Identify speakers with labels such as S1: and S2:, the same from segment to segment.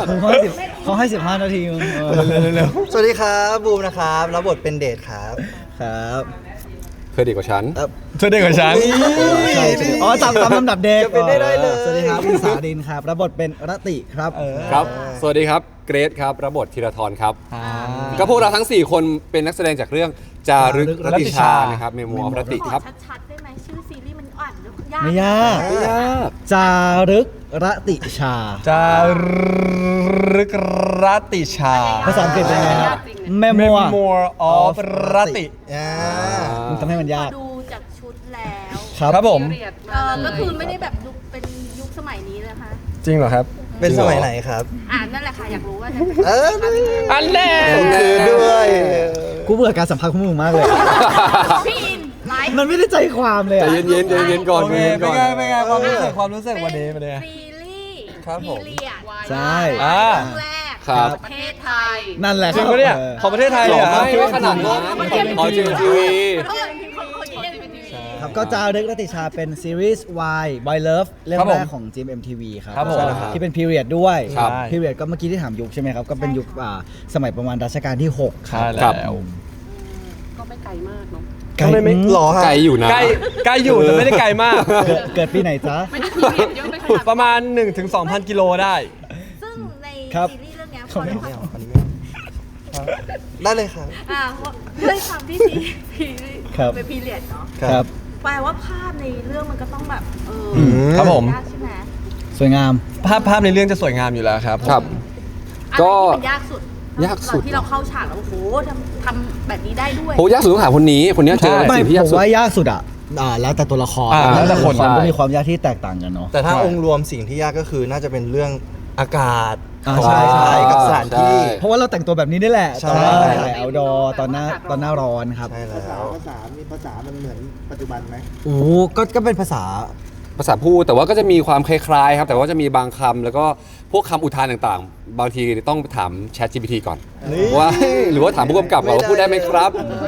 S1: เขาให้15 นาที
S2: เร็ว
S3: สวัสดีครับบูมนะครับรับบทเป็นเดทครับ
S1: ครับ
S4: เธอดีกว่าฉัน
S2: เธอเด็กกว่าฉัน
S1: ใช่อ๋อตามลำดับเด็ก
S3: จะเป็นได้เลย
S1: สวัสดีครับวิสาดินครับรับบทเป็นรติครับ
S4: ครับ สวัสดีครับ เกรซครับ รับบทธีรทรครับ
S2: อ่า
S4: ก็พวกเราทั้ง 4 คนเป็นนักแสดงจากเรื่องจารึกรติชา นะครับ เมมัวรติ
S5: ขอ
S4: ครับ
S5: ชัดๆได้ไหมชื่อซีรีส์มันอ่านยาก
S1: ไม่ยาก
S4: ไม่ยาก
S1: จารึกรติชา
S2: จารึกรติชา
S1: ภาษาอังกฤษเป็นไงครับแมมัว
S2: Memoir of รติ
S1: มึงทำให้มันยาก
S5: ดูจากชุดแล้ว
S2: ครับผม
S5: ก็คือไม่ได้แบบยุคเป็นยุคสมัยนี้เลยค่ะ
S2: จริงเหรอครับ
S3: เป็นสมัยไหนครับ
S5: นั่นแหละค่ะอยากรู้ว่า
S3: เออ
S2: อันแน่
S3: คือด้วย
S1: กูเบื่อการสัมภาษณ์ของมึงมากเลย
S5: พี่อินไลฟ์
S1: มันไม่ได้ใจความเลย
S4: ใจ
S1: อะ
S4: เย็นๆใจเย็นๆก่อน
S2: โอ
S4: ใจ
S2: เค
S4: เย็นๆ
S2: เป็
S4: ก่
S2: น
S4: อน
S2: ไงเป็นไงความรู้สึกวันนี้เป็นไง
S5: ซีรีส์
S3: ครับผม
S5: พีเรียด
S1: ใช่
S2: อ่า
S5: เรื่องแรก
S4: ครับ
S5: ประเทศไทย
S1: นั่นแหละ
S2: จริงปะเนี่ยของประเทศไทย
S4: ห
S2: เล
S4: ล่อย
S2: เหรอ
S4: ไม่ว่าขนาดนั้นอ๋อจีทีวี
S5: คนนี้เล่นเป็นทีวี
S1: ครับก็จารึกรติชาเป็นซีรีส์ Y Boy Love เรื่อง
S2: ครับ
S1: แร
S2: ผม
S1: กของ GMMTV ครับ
S2: ครับผม
S1: ที่เป็น period ด้วย
S2: ครับ
S1: period ก็เมื่อกี้ที่ถามยุคใช่ไหมครับ ก็เป็นยุคสมัยประมาณรัชกาลที่ 6 ครั
S2: ใช่
S1: บ
S2: แล้ว
S5: ก็ไม่ไกลมากเนาะ
S1: ไกล
S2: ไม่
S3: หรอฮะ
S4: ไกลอยู่นะ
S2: ใกล้อยู่แต่ไม่ได้ไกลมาก
S1: เกิดปีไหนจ๊ะ
S2: ประมาณ 1-2,000 กิโลได้
S5: ซึ่งใน
S1: ครับ
S5: ซีรีส์เรื่องเนี้ยพ
S1: เขา
S5: อ
S1: ไม่
S5: เรา
S3: ไม่เอาคนนี้ไม่เอาได้เลยครับ
S5: เพราะด้วยความที่ซีรีส์
S1: ครับ
S5: เป็นพีเรียดเนาะ
S1: ครับ
S5: แปลว่าภาพในเรื่องมันก็ต้องแบบ
S2: ครับผม
S5: ยากใช่ไหม
S1: สวยงาม
S2: ภาพในเรื่องจะสวยงามอยู่แล้วครับ
S4: ครับ
S5: อะไร
S4: ก็
S5: ที่มันยากสุด
S4: ยากสุด
S5: ที่เราเข้าฉากแล้วโอ้โหทำแบบนี้ได้ด้วย
S4: โหยากสุดต้องถามคนนี้เจออะไร
S1: ไม่
S4: สิ่งที่ยาก
S1: ผม
S4: สุด
S1: ว่ายากสุดแล้วแต่ตัวละคร
S2: แล้วแต่คน
S1: ละก็มีความยากที่แตกต่างกันเนาะ
S3: แต่ถ้าองค์รวมสิ่งที่ยากก็คือน่าจะเป็นเรื่องอากาศ
S1: ใช่
S3: กับสถานที่
S1: เพราะว่าเราแต่งตัวแบบนี้นี่แหละ
S3: ใช่
S1: ตอนถ่าย outdoor ตอนหน้าร้อนครับ
S3: ใช่แล้ว
S6: ภาษา มีภาษามันเหมือนปัจจุบันไหม
S1: โอ้ก็เป็นภาษา
S4: ภาษาพูดแต่ว่าก็จะมีความคล้ายๆครับ แต่ว่าจะมีบางคำแล้วก็พวกคำอุทานต่างๆ บางทีต้องถาม Chat GPT ก่อนว่าหรือว่าถามผู้กำกับเราว่าพูดได้ไหมครับ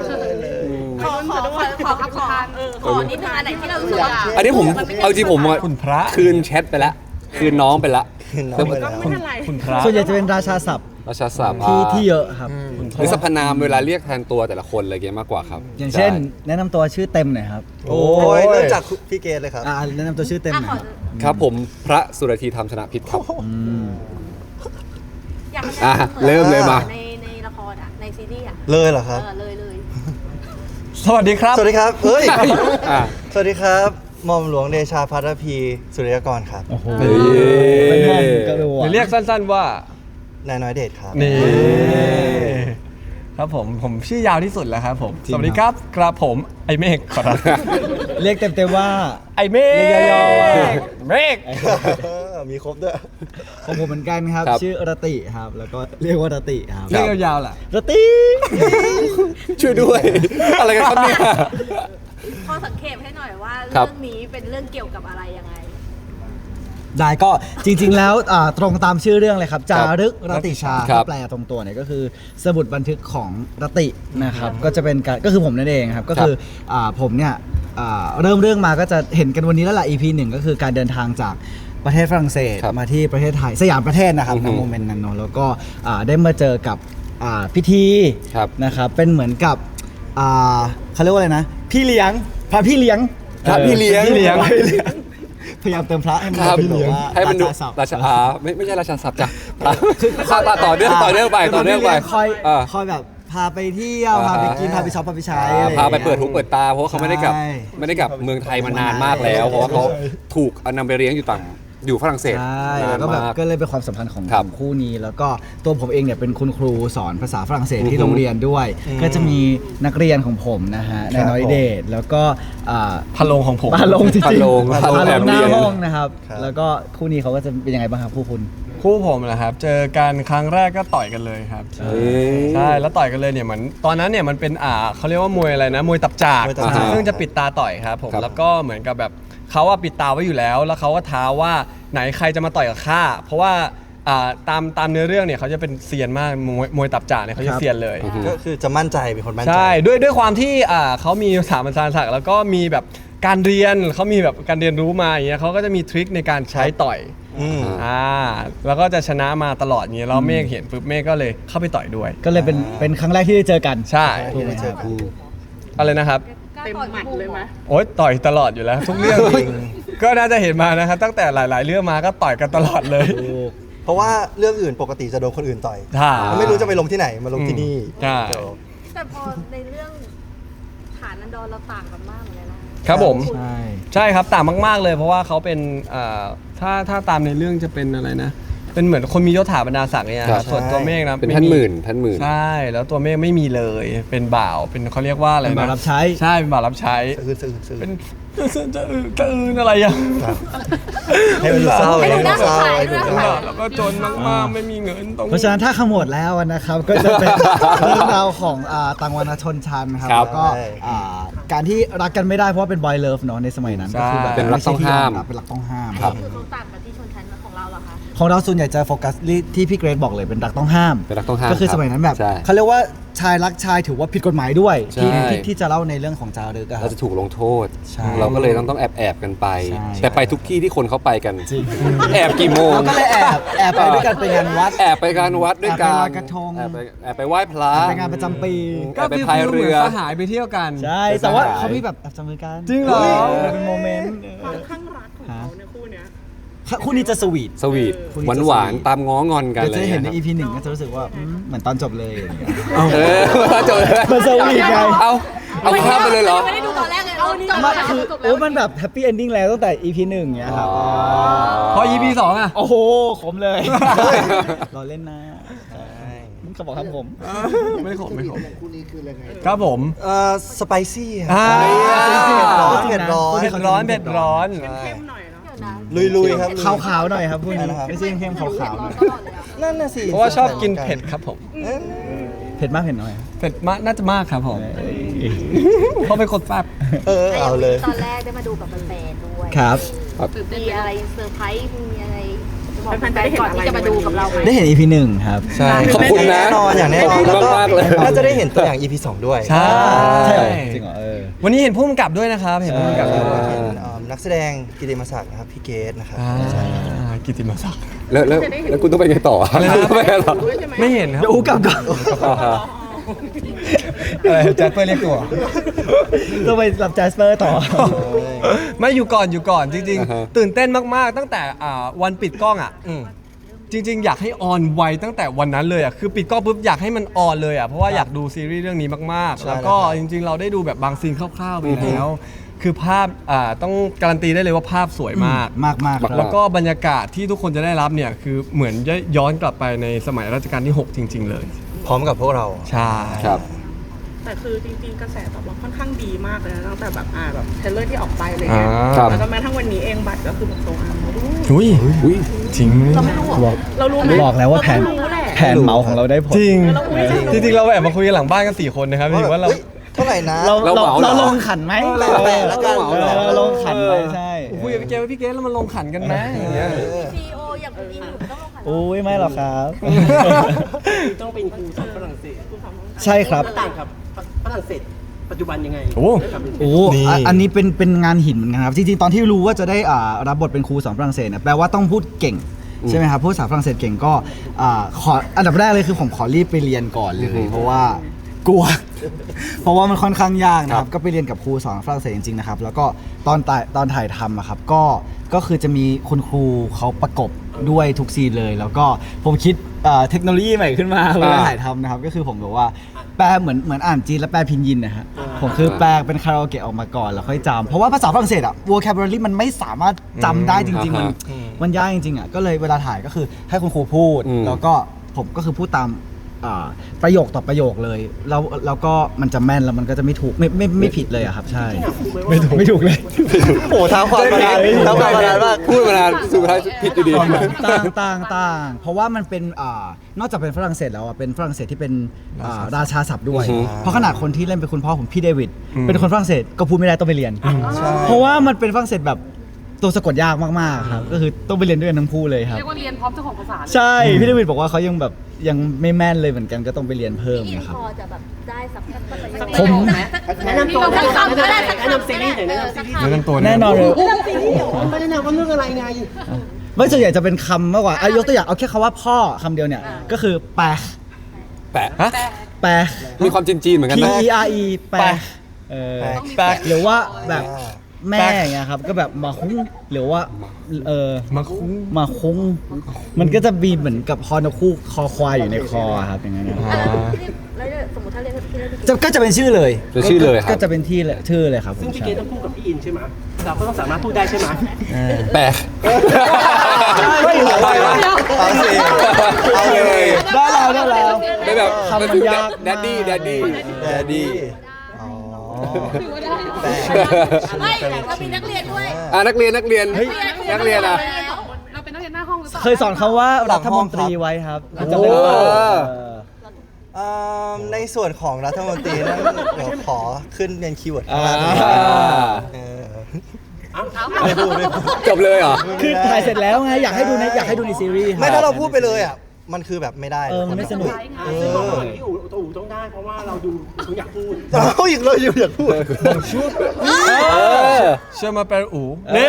S5: ขอนิดนึงอันไหนที่เรารู้สึกว่า
S4: อันนี้ผมเอาจริงผมอะ
S2: คุณพระ
S4: คืนแชทไปแล้วคืนน้องไปแล้ว
S3: คือน้องไปแล้ว
S2: คุณพระ
S1: ส่วนใหญ่จะเป็นราชาศัพท์
S4: ราชาศัพท์
S1: ที่เยอะครับ
S4: หรือสรรพนามเวลาเรียกแทนตัวแต่ละคนอะไรเงี้ยมากกว่าครับ
S1: อย่างเช่น
S4: ใ
S1: แนะนำตัวชื่อเต็มหน่อยครับ
S3: โอ้ยเริ่มจากพี่เกดเลยครับ
S1: แนะนำตัวชื่อเต็มหน่อย
S4: ครับผมพระสุรธีธรรมชนะพิษครับ
S5: อยากให้
S4: อ่ะ
S5: มัน
S4: เริ่มเลยมา
S5: ในละครในซีรีส์
S3: เลยเหรอครับ
S5: เลย
S2: สวัสดีครับ
S3: สวัสดีครับเฮ้ย
S4: อ่ะ
S3: สวัสดีครับหม่อมหลวงเดชาภัทรพีสุริยกรครับ
S1: โอ้โห
S4: เฮ้ย
S1: เป็นห้องกระดู
S2: หรือเรียกสั้นๆว่า
S3: นายน้อยเดชครับ
S2: นี่ ครับผมชื่อยาวที่สุดแล้วครับผม สวัสดีครับกระผมไอเมฆขอรับ
S1: เรียกเต็มๆว่า
S2: ไอเมฆ
S1: เรียกย่อๆว่า
S2: เมฆ
S3: มีครบด้วย
S1: ของผมเหมือนกันครับ
S4: ครับ
S1: ชื่อรติครับ แล้วก็เรียกว่ารติครับ
S2: เรียกยาวๆล่ะ
S1: รติ
S4: ช่วยด้วย อะไรกันครับเนี่ย
S5: พอสังเกตให้หน่อยว่า
S4: ครั
S5: เรื่
S4: บ
S5: องนี้เป็นเรื่องเกี่ยวกับอะไรยังไง
S1: ได้ก็จริงๆแล้วตรงตามชื่อเรื่องเลยครับ จารึกรติชา
S4: ครับ
S1: ถ้าแปลตรงตัวเนี่ยก็คือสมุดบันทึกของรตินะครับ ก็จะเป็นการก็คือผมนั่นเองครับ ก็คือผมเนี่ยเริ่มเรื่องมาก็จะเห็นกันวันนี้แล้วล่ะ EP 1 ก็คือการเดินทางจากประเทศฝรั่งเศส
S4: ครับ
S1: มาที่ประเทศไทยสยามประเทศนะครับ
S4: อือฮึ
S1: ในโมเมนต์นั้นเนอะแล้วก็ได้มาเจอกับพิธี
S4: ครับ
S1: นะครับเป็นเหมือนกับเขาเรียกว่าอะไรนะ พี่เลี้ยงพระพี่เลี้ยง
S4: พระพี่เลี้ยง
S1: พยายามเติมพระให้มัน
S4: ครับ
S1: ดูแบบว่า
S4: ให้มันดู
S1: ราชาศัพท์
S4: ราชาไม่ใช่ราชาศัพท์จ้ะต่อเนื่องไป
S1: คอย
S4: อ่า
S1: คอยแบบพาไปเที่ยวพาไปกินพาไปช็อปพาไปใช้อะไรอย่ง
S4: พา
S1: งี้ย
S4: ไปเปิดหูเปิดตาเพราะว่าเขาไม่ได้กลับ
S1: ใช่
S4: เมืองไทยมานานมากแล้ว เพราะว่าเขาถูกนำไปเลี้ยงอยู่ฝรั่งเศส
S1: ใช่
S4: นา
S1: แล้
S4: น
S1: วก็แบบ
S4: มาก
S1: ก็เลยเป็นความสัมพันธ์ของ
S4: ครับ
S1: คู่นี้ แล้วก็ตัวผมเองเนี่ยเป็นคุณครูสอนภาษาฝรั่งเศสที่โรงเรียนด้วย ก็จะมีนักเรียนของผมนะฮะในน้อยเดทแล้วก็
S2: พะโลงของผม
S1: พาลงจริงๆ
S4: พาลง
S1: พาลง
S4: แอบ
S1: ห
S4: เรี
S1: น้าย
S4: น
S1: ห้องนะครับ
S3: ครับ
S1: แล้วก็คู่นี้เขาก็จะเป็นยังไงบ้างครับคู่คุณ
S2: คู่ผมนะครับ เจอกันครั้งแรกก็ต่อยกันเลยครับ ใช่ แล้วต่อยกันเลยเนี่ยเหมือนตอนนั้นเนี่ยมันเป็นเขาเรียกว่ามวยอะไรนะ มวยตับจาก
S3: มวยตับจาก
S2: ซึ่งจะปิดตาต่อยครับผม
S4: ครับ
S2: แล้วก็เหมือนกับแบบเขาปิดตาไว้อยู่แล้ว แล้วเขาก็ท้าว่าไหนใครจะมาต่อยกับข้า เพราะว่าตามเนื้อเรื่องเนี่ยเขาจะเป็นเซียนมากมวยตับจากเนี่ยเขาจะเซียนเลย
S3: ก็คือจะมั่นใจเป็นคนมั่นใจ
S2: ใช่ด้วยความที่เขามีสถาบันศักดิ์แล้วก็มีแบบการเรียนเขามีแบบการเรียนรู้มาอย่างเงี้ยเขาก็จะมีทริคในการใช้ต่อย
S3: อืม
S2: แล้วก็จะชนะมาตลอดอย่างเงี้ยแล้วเมฆเห็นปุ๊บเมฆก็เลยเข้าไปต่อยด้วย
S1: ก็เลยเป็นครั้งแรกที่ได้เจอกัน
S2: ใช่
S1: ถูกไหมครับ
S2: อะไรนะครับ
S5: เต็มหมัดเลยไหม
S2: โอ๊ยต่อยตลอดอยู่แล้วทุกเรื่องจริงก็น่าจะเห็นมานะครับตั้งแต่หลาย ๆ เรื่องมาก็ต่อยกันตลอดเลย
S3: เพราะว่าเรื่องอื่นปกติจะโดนคนอื่นต่อย
S2: ใช่
S3: ไม่รู้จะไปลงที่ไหนมาลงที่นี่
S2: ใช่
S5: แต่พอในเรื่องฐานันดรเราต่างกันมากเหมือนกันนะครับ
S2: ผม
S1: ใช่
S2: ใช่ครับต่างมากๆเลย เพราะว่าเขาเป็นถ้าตามในเรื่องจะเป็นอะไรนะ เป็นเหมือนคนมียศถาบรรดาศักดิ์เนี่ย
S4: ครับ
S2: ส่วนตัวเมฆนะ
S4: เป็น
S2: ไ
S4: ท่านหมื่นท่านหมื่น
S2: ใช่แล้วตัวเมฆไม่มีเลยเป็นบ่าวเป็นเขาเรียกว่าอะไร
S1: เป็น
S2: นะ
S1: บ่าวรับใช้
S2: ใช่เป็นบ่าวรับใช้
S3: ซื่อ
S2: เป็นจะอื่นอะไรอย่าง
S3: ให้มันดูเศร้า
S5: ให้ดูน่าสงสาร
S3: ให้ดู
S5: ด้วย
S3: เศร้า
S2: แล้วก็จนมากๆไม่มีเงินต้อง
S1: เพราะฉะนั้นถ้าขมวดแล้วนะครับ ก็จะเป็น เรื่องราวของต่างวรรณชนชั้นครับ
S4: ครับ
S1: แล้วก็การที่รักกันไม่ได้เพราะว่าเป็นบอยเลิฟเนาะในสมัยนั้นก็คือแบบ
S4: เป็นรักต้องห้าม
S1: เป็นรักต้องห้าม
S4: ครับ
S5: คือเขาต่างกันที่ชนชั้นของเราเหรอคะ
S1: ของเราส่วนใหญ่จะโฟกัสที่พี่เกรซบอกเลยเป็นรักต้องห้าม
S4: เป็นรักต้องห้าม
S1: ก็คือสมัยนั้นแบบ
S4: ใช่
S1: เขาเรียกว่าชายรักชายถือว่าผิดกฎหมายด้วย
S4: ใช่
S1: ที่จะเล่าในเรื่องของจารึกอะค
S4: เรา
S1: รับ
S4: จะถูกลงโทษ
S1: ใช่
S4: เราก็เลยต้องแอบกันไป
S1: ใช่
S4: แต่ไปทุกที่ที่คนเขาไปกัน
S1: จริง
S4: แอบกี่โมง
S1: เราก็เลยแอบไปด้วยกันไปงานวัด
S4: แอบไปการวัดด้วยกัน
S1: แอบไปลอยกระทง
S4: แอบไปไหว้พระ
S1: ไปงานประจำปี
S4: แอบไปพายเรือ
S2: สหายไปเที่ยวกัน
S1: ใช่แต่ว่าเขามีแบบแอบจับมือกัน
S2: จริงเหรอ
S1: เป็นโมเมนต์
S7: ความข้างรักของเขาในคู่เนี้ย
S1: คู่นี้จะสวีท
S4: สวีท
S1: คุณ
S4: หวาน
S1: จะ
S4: หวาน
S1: สวีท
S4: ตามง้องอนกัน
S1: เดี๋ยวจะเห็นใน
S4: อะไร
S1: EP
S4: งี้ย
S1: หนึ่งก็จะรู้สึกว่าเหมือนตอนจบเลยอย่างเงี้ย
S4: เออมาเจอ
S1: มันสวีทไง
S4: เอาข้ามไปเลยเหรอ
S5: ไม่ได้ดูตอนแรกเลยเราจบ
S1: มัน
S5: แล้ว
S1: คือ
S5: จบแล้
S1: โอ้
S5: ว
S1: มันแบบแฮปปี้เอนดิ้งแล้วตั้งแต่ EP หนึ่งเงี้ยครับ
S2: พอ EP 2อ่ะ
S1: โอ้โหขมเลยรอเล่นนะเขาบอกครับผม
S2: ไม่ขมไม่ขม
S6: คู่นี้คือยังไง
S2: ครับผม
S3: สไปซี่ครับ
S2: อ่า
S3: เผ็ดร้อน
S2: เผ็ดร้อนเผ็ดร้อน
S7: เข้มหน่อยเนาะ
S5: เดี๋ยวนะ
S3: ลุยๆครับ
S1: ขาวๆหน่อยครับพูด
S3: อะไรนะครับ
S1: ไม่ใช่เข้มๆขาวๆหน่อย
S5: ตลอดเลยอะ
S3: นั่นน่ะสิ
S2: เพราะว่าชอบกินเผ็ดครับผม
S1: เผ็ดมากเผ็ดน้อย
S2: เผ็ดมากน่าจะมากครับผมเพราะเป็นคนแซ่บ
S3: เอาเลย
S5: ตอนแรกได้มาดูกับแฟนๆด้วย
S1: ครับ
S5: มีอะไรเซอร์ไพรส์มีอะไรจะบอกแฟนๆก่อนที่จะมาดูกับเราไหม
S1: ได้เห็น EP หนึ่งครับ
S2: ใช่
S4: ขอบคุณนะ
S3: แน่นอนอย่างแน่นอน
S4: ขอบคุณ
S3: แล้วก็
S4: มากๆเลย
S3: น่าจะได้เห็นตัวอย่าง EP 2 ด้วย
S2: ใช่
S1: ใช่เหรอจริงเหรอ
S2: วันนี้เห็นผู้กำกับด้วยนะครับเห็นผู้กำกับด้วย
S3: เห็นนักแสดงกิติมศักดิ์นะครับพี่เกตนะครับ
S2: กิตติมศักดิ์
S4: แล้วคุณต้องไปไงต่อ
S2: อะไรนะ
S4: ไปไงต่อ
S2: ไม่เห็นครับ
S1: เดี๋ยวอูกลับก่อน
S2: อะไรแจ็คเปอร์เรียกตัว
S1: ต้องไปรับแจสเปอร์ต่อ
S2: ไม่อยู่ก่อนจริง
S4: อ่าฮะ
S2: ๆ ตื่นเต้นมากๆ ตั้งแต่วันปิดกล้องอ่ะจริง ๆ อยากให้ออนไวตั้งแต่วันนั้นเลยอ่ะคือปิดกล้องปุ๊บอยากให้มันออนเลยอ่ะเพราะว่าอยากดูซีรีส์เรื่องนี้มากๆ
S3: ใช่
S2: แล้วก็
S3: แล้วครับ
S2: จริง ๆ เราได้ดูแบบบางซีนคร่าวๆไปแล้ว คือภาพต้องการันตีได้เลยว่าภาพสวยมาก
S1: มากๆครับ
S2: แล้วก็บรรยากาศที่ทุกคนจะได้รับเนี่ยคือเหมือนย้อนกลับไปในสมัยรัชกาลที่ 6 จริง ๆ เลย
S3: พร้อมกับพวกเรา
S2: ใช่
S4: ครับ
S7: แต่คือจริงๆกระแสตอบรับค่อนข้างดีมากเลยนะตั้งแต่แบบแบบเทรลเลอร์ที่ออกไปอะไร
S2: อ่า
S7: เงี้ย
S4: ครับ
S7: แล้วก็แม้ทั้งวันนี้เองบัตรก็คือแบบโซอาร์หมดด้วย
S2: อุ้ย
S4: อุ้ย
S2: จริงไหม
S5: เราไม่รู้เหรอ
S7: เรารู้ไหม
S1: บอกแล้วว่าแผน
S7: เรก็รู้แหละ
S1: แผนเหมาของเราได้ผล
S2: จริง
S7: เราอุ๊ย
S2: จริงๆเราแอบมาคุยกันหลังบ้านกัน4 คนนะครับจริงๆว่าเรา
S3: ฮ้ยเท่าไหร่นะ
S1: เรา
S4: เราเหมาเหรอ
S1: ลงขันไหม
S3: แปะแล้วกัน
S1: เราลงขันไหมใช่
S2: คุยกับพี่เกว่าพี่เกแล้วมันลงขันกันไหมอย่างเงี้ย
S5: ซีโออย่างคุณอินอยู่ไม่ต้องลงขัน
S1: โอ้ยไม่หรอกครับ
S8: ต้องเป็นครูสอนฝรั่งเศส
S1: ใช่ครับ
S8: ต่างกับฝรั่งเศสปัจจุบันยังไง
S2: โอ้
S8: ได้ความเป็น
S1: โอ้อันนี้เป็นงานหินเหมือนกันครับ จริงๆ ตอนที่รู้ว่าจะได้รับบทเป็นครูสอนฝรั่งเศสเนี่ยแปลว่าต้องพูดเก่ง ใช่ไหมครับ พูดภาษาฝรั่งเศสเก่งก็ขออันดับแรกเลยคือผมขอรีบไปเรียนก่อนเลยเพราะว่ากลัว เพราะว่ามันค่อนข้างยากนะครับ ก็ไปเรียนกับครูสอนฝรั่งเศสจริงๆนะครับ แล้วก็ตอนถ่ายทำอะครับก็คือจะมีคุณครูเขาประกบด้วยทุกซีนเลย แล้วก็ผมคิดเทคโนโลยีใหม่ขึ้นมาเวลาถ่ายทำนะครับ ก็คือผมแบบว่าแปลเหมือนอ่านจีนแล้วแปลพินยินนะฮะผมคือแปลเป็นคาราโอเกะออกมาก่อนแล้วค่อยจำเพราะว่าภาษาฝรั่งเศสอะ vocabulary มันไม่สามารถจำได้จริงๆ มันยากจริงๆอะก็เลยเวลาถ่ายก็คือให้คุณครูพูด แล้วก็ผมก็คือพูดตามประโยคต่อประโยคเลยแล้วก็มันจะแม่นแล้วมันก็จะไม่ถูกไม่ผิดเลยอะครับใช่ไม่ถูกเลย
S3: โอ้ท้าความมานานท้าความมานานมาก
S4: พูดมานานสุดท้ายผิดอยู่ดี
S1: ต่างเพราะว่ามันเป็นนอกจากเป็นฝรั่งเศสแล้วอ่ะเป็นฝรั่งเศสที่เป็นราชาศัพท์ด้วย
S4: อือฮึ
S1: เพราะขนาดคนที่เล่นเป็นคุณพ่อผมพี่เดวิดเป็นคนฝรั่งเศสก็พูดไม่ได้ต้องไปเรียน เพราะว่ามันเป็นฝรั่งเศสแบบตัวสะกดยากมากๆครับก็คือต้องไปเรียนด้วยกันทั้งคู่เลยครับ
S5: เรียกว่าเรียนพร้อมเจ้าของภาษาเลย
S1: ใช่พี่เดวิดบอกว่าเขายังแบบยังไม่แม่นเลยเหมือนกันก็ต้องไปเรียนเพิ่ม
S5: พี่อิน
S1: นะครับ
S5: พอจะแบบได้สักภาษา
S8: สัก
S5: ผม
S8: แนะนำตัว
S5: สักคำก็ได้สัก
S8: แนะ
S5: คำ
S8: นำซีรีส์หน่อยแนะนำซีรีส์
S2: แนะนำตัว
S1: แน่นอนเลย
S8: ไม่ได้แนะนำว่าเรื่องอะไรไง
S1: ไม่ส่วนใหญ่จะเป็นคำมากกว่ายกตัวอย่างเอาแค่คำว่าพ่อคำเดียวเนี่ยก็คือแปะ
S4: แปะ
S2: ฮะ
S1: แปะ
S4: มีความจีนๆเหมือนกัน
S1: P
S4: นะ
S1: E R E แปะเออ
S2: แปลก
S1: หรือว่าแบบแม่อย่างเงี้ยครับก็แบบมาคุ้งหรือว่า
S2: มาคุ้ง
S1: มาคุ้งมันก็จะมีเหมือนกับฮอนคู่คอควายอยู่ในคอครับอย่างเงี้ยนะ
S5: แล้วสมมติถ้าเรียนพี่เล่น
S1: ก็จะเป็นชื่อเลย
S4: เป็นชื่อเลยครับ
S1: ก็จะเป็นที่ชื่อเลยครับ
S8: ซึ่งพี่เกดต้องพูดกับพี่อินใช่ไหมเราก็ต้องสามารถพูดได้ใช่ไหม
S4: แปะ
S1: ไม่เหรอ
S3: เอาสิเอาเลย
S1: ได้แล้ว
S4: ได้แบบ
S1: คำมันยาก
S4: แดดดี้แดดดี้
S3: แดดดี้อ๋อ
S5: ไม่เรามีนักเรียนด้วย
S4: นักเรียนนักเรียนอ่ะ
S5: เราเป็นนักเรียนหน้าห้องหรือเปล่า
S1: เคยสอนเขาว่ารัฐมนตรีไว้ครับ
S4: โอ้
S1: จำได้ไหม
S3: ในส่วนของรัฐมนตรีนั้นเดี๋ยวขอขึ้นเป็นคีย์เวิร์ดข้าง
S1: อ่า
S3: ล่างเออไม่พูด
S4: จบเลยเหรอ
S1: คือถ่ายเสร็จแล้วไงอยากให้ดูในซีรีส์
S3: ไม่ถ้าเราพูดไปเลยอ่ะมันคือแบบไม่ได้
S1: มันไม่สนุก
S8: ซึ่งบอกว่าพี่อู๋ต้องได้เพราะว่าเราดูเขาอยากพูด
S3: เราอีกเลยอยากพูด
S2: เชื่อมาแปลอูนี่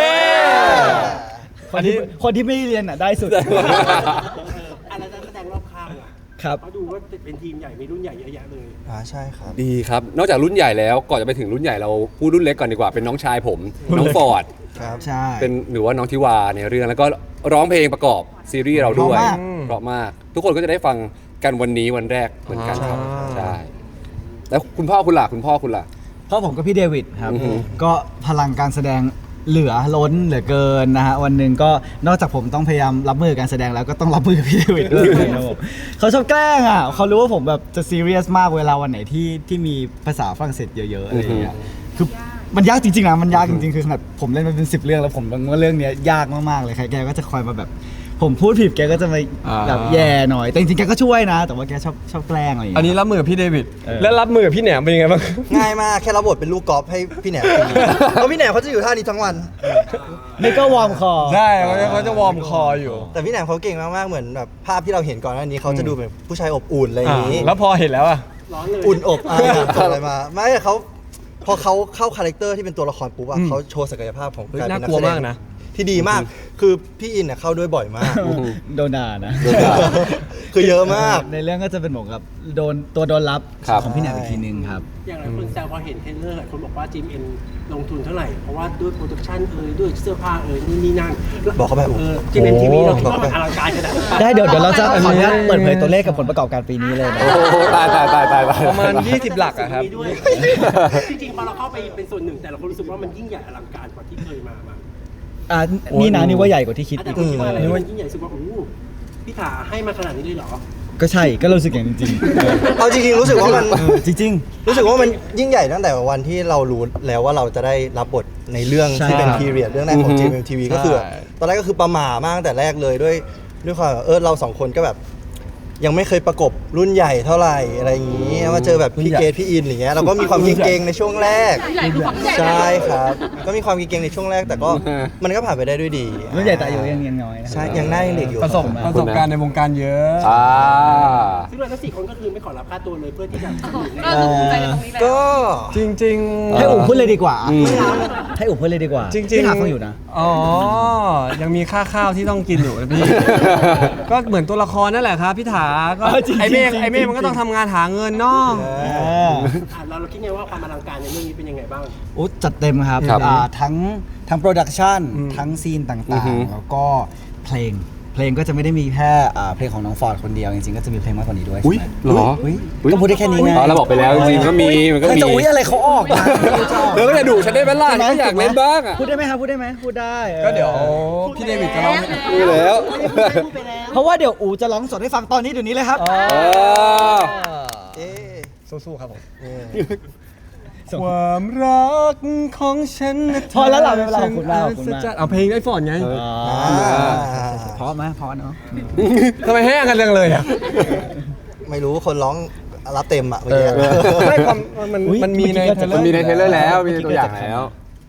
S1: คนที่ไม่ได้เรียนได้สุด
S8: อะไรนักแสดงรอบข้างอ่ะ
S1: ครับ
S8: เขาดูว่าเป็นทีมใหญ่มีรุ่นใหญ่เยอะแยะเลย
S3: ใช่ครับ
S4: ดีครับ นอกจากรุ่นใหญ่แล้วก่อนจะไปถึงรุ่นใหญ่เราพูดรุ่นเล็กก่อนดีกว่าเป็นน้องชายผม น้องฟอร์ด
S3: ครับ
S1: ใช่
S4: เป็นหรือว่าน้องทิวาในเรื่องแล้วก็ร้องเพลงประกอบซีรีส์เราด้วย
S1: เพราะมาก
S4: เพราะมาก ทุกคนก็จะได้ฟังกันวันนี้วันแรกเหมือนกันครับใช่แล้วคุณพ่อคุณล่ะ
S1: เพราะผมกับพี่เดวิดครับ
S4: อือฮึ
S1: ก็พลังการแสดงเหลือล้นเหลือเกินนะฮะวันหนึ่งก็นอกจากผมต้องพยายามรับมือการแสดงแล้วก็ต้องรับมือกับพี่เดวิดด้วยนะครับผมเขาชอบแกล้งอ่ะเขารู้ว่าผมแบบจะซีเรียสมากเวลาวันไหนที่มีภาษาฝรั่งเศสเยอะๆอะไรอย่างเงี้ยคือมันยากจริงๆนะมันยากจริงๆคือขนาดผมเล่นมาเป็น10 เรื่องแล้วผมว่าเรื่องเนี้ยยากมากๆเลยใครแกก็จะคอยมาแบบ ผมพูดผิดแกก็จะมาแบบแย่หน่อยแต่จริงๆแกก็ช่วยนะ แต่ว่าแกชอบแกล้งอะไรอย่าง
S2: อัน
S1: เงี้ย
S2: นี้รับมือกับพี่เดวิด
S1: เออ
S2: แล้วรับมือกับพี่แหนมเป็นยังไงบ้าง
S3: ง่ายมากแค่รับบทเป็นลูกกอล์ฟให้พี่แหนมตีเพราะพี่แหนมเขาจะอยู่ท่านี้ทั้งวัน
S1: นี่ก็วอร์มคอ
S2: ใช่เขาจะวอร์มคออยู่
S3: แต่พี่แหนมเขาเก่งมากๆเหมือนแบบภาพที่เราเห็นก่อนหน้านี้เขาจะดูเป็นผู้ชายอบอุ่นอะไรอย่างนี้
S2: แล้วพอเห็นแล้วอ่ะ
S8: ร้อนเลย
S3: อุ่นอบอะไรมาไม่เขาพอเขาเข้าคาแรคเตอร์ที่เป็นตัวละครปุ๊บอะเขาโชว์ศักยภาพของ
S2: เฮ้ย
S3: การเป็น
S2: น่ากลัว
S3: แสดง
S2: มากนะ
S3: ที่ดีมากคือพี่อินเนี่ยเข้าด้วยบ่อยมาก
S1: โดนด่านะ
S3: คือเยอะมาก
S1: ในเรื่องก็จะเป็นเหมือนกับโดนรับ
S4: ครับ
S1: ของพี่แหนมอีกทีนึงครับ
S8: อย่างหลายคนแซวพอเห็นเทรลเลอร์หลายคนบอกว่าจีมเอ็นลงทุนเท่าไหร่ เพราะว่าด้วยโปรดักชั่นด้วยเสื้อผ้านี่นั่น
S3: บอกเขาไป
S8: จีมเอ็นทีวีเราคิด
S3: บอก
S8: ว่า
S3: เขาไป
S8: มันอลังการขนาดไหน
S1: ได้เดี๋ยวเราจะขออนุญาตเปิดเผยตัวเลขกับผลประกอบการปีนี้เลยนะ
S4: โอ้โหตาย
S2: ประมาณ 20 หลักอะครับ
S8: มีด้วยจริงๆพอเราเข้าไปเป็นส่วนหนึ่งแต่เราก็รู้สึกว่ามันยิ่งใหญ่อลังการกว่าที่เคยมา
S1: นี่นะนี่ว่าใหญ่กว่าที่คิด
S8: แต่
S1: อีก
S8: คนคิดว่าอะไรมันยิ่งใหญ่รู้สึกว่าโอ้โหพี่ถาให้มาขนาดนี้เลยเหรอ
S1: ก็ใช่ก็รู้สึกอย่างจริง
S3: เอาจริงๆรู้สึกว่ามัน
S1: จริง
S3: รู้สึกว่ามันยิ่งใหญ่ตั้งแต่วันที่เรารู้แล้วว่าเราจะได้รับบทในเรื่องที่เป็นพีเรียดเรื่องแรกของ GMMTV ก็คือตอนแรกก็คือประหม่ามากตั้งแต่แรกเลยด้วยความเราสองคนก็แบบยังไม่เคยประกบรุ่นใหญ่เท่าไหร่อะไรอย่างนี้มาเจอแบบพี่เกดพี่อินอย่างเงี้ยเราก็มีความเก่งๆในช่วงแรก
S5: ใหญ่คือของใหญ่
S3: ใช่ครับก็มีความเก่งๆในช่วงแรกแต่ก็มันก็ผ่านไปได้ด้วยดี
S1: ๆรุ่นใหญ่แต่อายุยังน้อยนะ
S3: ใช่ยังหน้ายังเด็กอยู่
S2: ประสบการณ์ในวงการเยอะ
S8: ซึ่งเราทั้ง4 คนก็คือไม่ขอรับค่าตัวเลยเพื่อที่จะ
S5: ก็ภูมิใจในตรงนี้แหละ
S3: ก็
S2: จริง
S1: ให้อุ๋พูดเลยดีกว่า
S4: อืม
S1: ให้อุ๋พูดเลยดีกว่า
S2: จริงๆ
S1: พี่ถามฟังอยู่นะ
S2: อ๋อ ยังมีค่าข้าวที่ต้องกินอยู่นะพี่ ก็เหมือนตัวละครนั่นแหละครับพี่ถาก็
S1: จริงๆ
S2: ไอเมฆ
S1: จริงๆ
S2: ไอเมฆมันก็ต้องทำงานหาเงินเนาะ
S8: เราคิดไงว่าความอลังการในเรื่องนี้เป็นยังไงบ้าง
S1: โอ้จัดเต็มครับ
S4: ครับ
S1: ทั้งโปรดักชันทั้งซีนต่
S4: อื
S1: า
S4: อง ฮึ
S1: ๆ แล้วก็เพลงก็จะไม่ได้มีแค่เพลงของน้องฟอร์ดคนเดียวจริงๆก็จะมีเพลงมากกว่านี้ด้วย
S4: อุ๊ย
S1: ใช่ไหม
S4: เหรอ
S1: อุ๊ยก็พูดได้แค่นี้ไง
S4: อ๋อเราบอกไปแล้วจริงๆก็มีมันก็
S1: ใคร
S4: มี
S1: จะอุ๊ยอะไรเขาออกมา
S4: เออก็จะดุฉันได้ไหมล่ะฉันก็อยากเล่นบ้างอ่ะ
S1: พูดได้ไหมครับพูดได้ไหมพูดได้
S2: ก็เดี๋ยวพี่เดวิดจะเล่าให้
S4: ดูแล้ว
S1: เพราะว่าเดี๋ยวอูจะร้องสดให้ฟังตอนนี้เดี๋ยวนี้เลยครับ
S3: เอ๊ะ
S2: สู้ๆครับผม
S3: เออ
S2: ความรักของฉันนะ
S1: พอแล้วล่ะเวลาขอบคุณมากขอบคุณมาก
S2: เอาเพลงไอ้ฟอนไง
S1: เพราะไหมเพราะเนาะ
S2: ทำไมแห้งกันจังเลยอ่ะ
S3: ไม่รู้คนร้องรับเต็มอ่ะเมื่อกี้
S2: ไม่ความมันมีในเทรลเลอร์
S4: มันมีในเทรลเลอร์แล้วมีในตัวอย่างแล้ว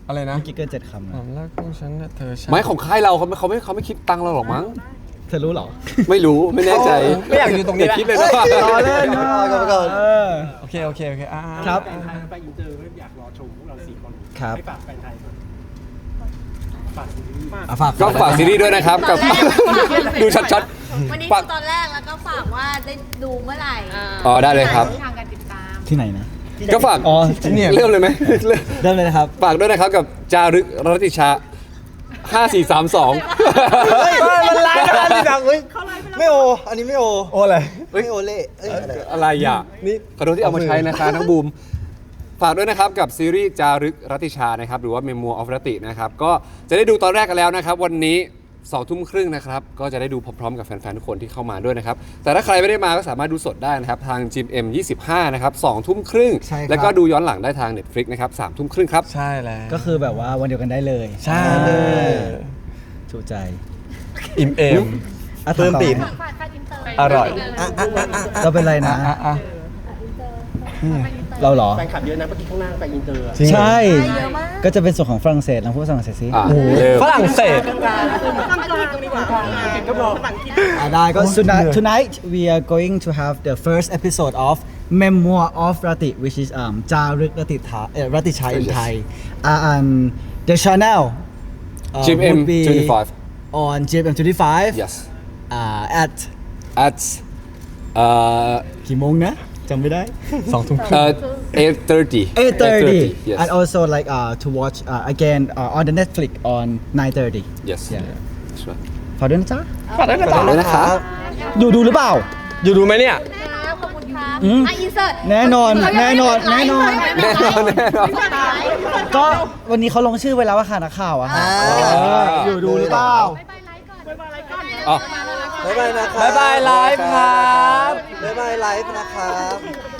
S2: อะไรนะ
S1: เมื่อกี้เกิน7 คำ
S2: ควา
S1: นะ
S2: มรักของฉันนะเธอใช่
S4: ไม้ของค่ายเราเขาไม่คิดตังค์เราหรอกมั้ง
S1: เธอรู้เหรอ
S4: ไม่รู้ไม่แน่ใจ
S2: ไม่อยากอยู่ตรงนี้
S4: อย่า
S2: แหละ
S4: คิดเลยนะ
S1: รอเล่น
S3: ก่อน
S1: เออ
S2: โอเคอ่า
S1: ครับ
S8: แฟนไทยไปอินเตอร์ก็อยากรอชมพวกเรา4 คน
S1: ครับ
S8: ให้ฝากแฟนไทยก่อนฝากซีรีส์
S1: อ่ะฝาก
S4: ก็ฝากซีรีส์ด้วยนะครับกับ ดูชัด
S5: วันนี้
S4: ฝาก
S5: ดูตอนแรกแล้วก็ฝากว่าได้ดูเมื่อไหร่
S4: อ๋อได้เลยครับ
S5: ทางการติดตาม
S1: ที่ไหนนะ
S4: ก็ฝาก
S1: อ๋อ
S4: เริ่มเลยไหม
S1: เริ่มเลยนะครับ
S4: ฝากด้วยนะครับกับจารึกรัตติชา 5432
S3: มันไลฟ์กันดิดังเฮ้ยไม่โอ อันนี้ไม่โอ
S2: โอ้อะไร
S3: ไม่โอเล่เอ้ยอะไร
S4: อะไรอ่ะ
S2: นี่
S4: ขอโทษที่เอามาใช้นะคะน้องบูม ฝากด้วยนะครับกับซีรีส์จารึกรัตติชานะครับหรือว่า Memoir of Rati นะครับก็จะได้ดูตอนแรกกันแล้วนะครับวันนี้2 ทุ่มครึ่งนะครับก็จะได้ดูพร้อมๆกับแฟนๆทุกคนที่เข้ามาด้วยนะครับแต่ถ้าใครไม่ได้มาก็สามารถดูสดได้นะครับทาง GMM 25นะครับ2 ทุ่มครึ่ง
S1: ใช่ครับ
S4: แล้วก็ดูย้อนหลังได้ทาง Netflix นะครับ3 ทุ่มครึ่งครับ
S2: ใช่แล้ว
S1: ก็คือแบบว่าวันเดียวกันได้เลย
S2: ใช่
S1: ถูกใจ
S2: อิ่มเอม
S1: อ่ะ
S3: เพิ่มปีก
S1: ต่อ
S5: ฝากค่าอินเตอร์
S2: อร่อย
S1: เราเป็นไรนะ
S2: อ่ะ
S1: เราเหรอ
S8: แฟนคลับเยอะนะเมื่อกี้ข้างหน้าไปอินเตอร์อะ
S1: ใช่
S5: เยอะมาก
S1: ก็จะเป็นส่วนของฝรั่งเศสลองพูดฝรั่งเศสสิ
S4: อ่ะเริ่ม
S2: ฝรั่งเศส
S7: กลางดีกว่าก็บอกภาษาอังกฤษ
S1: ได้ก็ tonight we are going to have the first episode of Memoir of Rati which is จารึกรัติชา in
S4: Yes.
S1: Thai and the channel
S4: GMM
S1: would be
S4: 25
S1: on GMM 25
S4: yes
S1: at
S4: at
S1: กี่โมงนะจำไม่ได้
S2: 2 ทุ่ม
S4: 8:30
S1: 8:30
S4: yes
S1: and also like to watch again on the Netflix on 9:30
S4: yes
S1: Yeah.
S4: That's right
S1: ฝากด้วยนะจ๊ะ
S4: ฝากด้วยนะครับ
S1: อยู่ดูหรือเปล่า
S2: อยู่ดูไหมเนี่ย
S5: ขอบคุณครับ
S1: อืม
S5: อินเสิร์ต
S1: แน่นอนแน่นอน
S5: ก็
S1: ก็วันนี้เขาลงชื่อไว้แล้วว่าค่ะนักข่าวอะฮะอยู่ดูหรือเปล่า
S4: อ๋อ
S3: บ๊ายบายนะครับ
S2: บ๊ายบายไลฟ์ครับ
S3: บ๊ายบายไลฟ์นะครับ